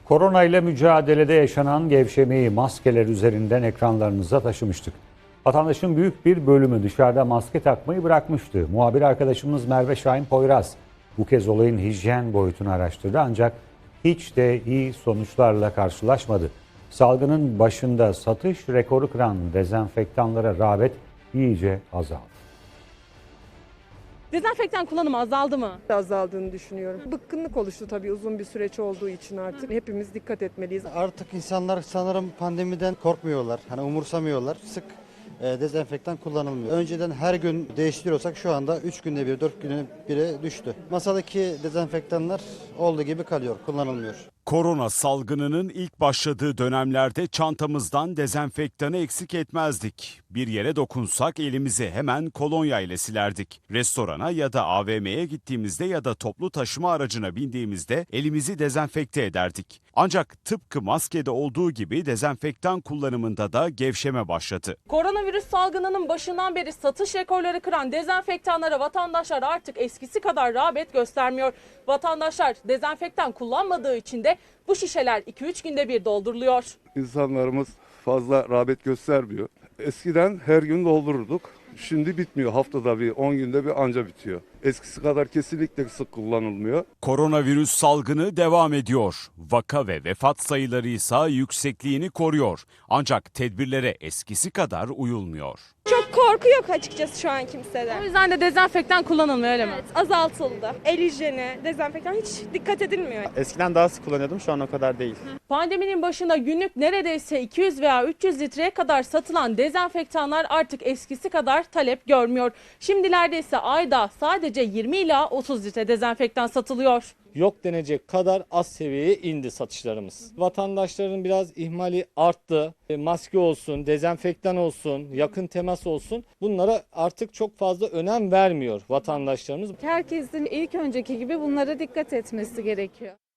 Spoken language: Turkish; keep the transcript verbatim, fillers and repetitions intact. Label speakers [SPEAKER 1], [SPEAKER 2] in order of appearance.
[SPEAKER 1] Korona ile mücadelede yaşanan gevşemeyi maskeler üzerinden ekranlarınıza taşımıştık. Vatandaşın büyük bir bölümü dışarıda maske takmayı bırakmıştı. Muhabir arkadaşımız Merve Şahin Poyraz bu kez olayın hijyen boyutunu araştırdı ancak hiç de iyi sonuçlarla karşılaşmadı. Salgının başında satış rekoru kıran dezenfektanlara rağbet iyice azaldı.
[SPEAKER 2] Dezenfektan kullanımı azaldı mı?
[SPEAKER 3] Azaldığını düşünüyorum. Bıkkınlık oluştu tabii uzun bir süreç olduğu için artık. Hepimiz dikkat etmeliyiz.
[SPEAKER 4] Artık insanlar sanırım pandemiden korkmuyorlar. Hani umursamıyorlar. Sık e, dezenfektan kullanılmıyor. Önceden her gün değiştiriyorsak şu anda üç günde bir, dört günde bire düştü. Masadaki dezenfektanlar olduğu gibi kalıyor, kullanılmıyor.
[SPEAKER 5] Korona salgınının ilk başladığı dönemlerde çantamızdan dezenfektanı eksik etmezdik. Bir yere dokunsak elimizi hemen kolonya ile silerdik. Restorana ya da A V M'ye gittiğimizde ya da toplu taşıma aracına bindiğimizde elimizi dezenfekte ederdik. Ancak tıpkı maskede olduğu gibi dezenfektan kullanımında da gevşeme başladı.
[SPEAKER 2] Koronavirüs salgınının başından beri satış rekorları kıran dezenfektanlara vatandaşlar artık eskisi kadar rağbet göstermiyor. Vatandaşlar dezenfektan kullanmadığı için de bu şişeler iki üç günde bir dolduruluyor.
[SPEAKER 6] İnsanlarımız fazla rağbet göstermiyor. Eskiden her gün doldururduk. Şimdi bitmiyor. Haftada bir, on günde bir anca bitiyor. Eskisi kadar kesinlikle sık kullanılmıyor.
[SPEAKER 5] Koronavirüs salgını devam ediyor. Vaka ve vefat sayıları ise yüksekliğini koruyor. Ancak tedbirlere eskisi kadar uyulmuyor.
[SPEAKER 7] Çok korku yok açıkçası şu an kimsede.
[SPEAKER 2] O yüzden de dezenfektan kullanılmıyor öyle mi?
[SPEAKER 7] Evet, azaltıldı. El hijyeni, dezenfektan hiç dikkat edilmiyor.
[SPEAKER 8] Eskiden daha sık kullanıyordum, şu an o kadar değil.
[SPEAKER 2] Pandeminin başında günlük neredeyse iki yüz veya üç yüz litreye kadar satılan dezenfektanlar artık eskisi kadar talep görmüyor. Şimdilerde ise ayda sadece yirmi ila otuz litre dezenfektan satılıyor.
[SPEAKER 9] Yok denecek kadar az seviyeye indi satışlarımız. Vatandaşların biraz ihmali arttı. E, Maske olsun, dezenfektan olsun, yakın temas olsun, bunlara artık çok fazla önem vermiyor vatandaşlarımız.
[SPEAKER 10] Herkesin ilk önceki gibi bunlara dikkat etmesi gerekiyor.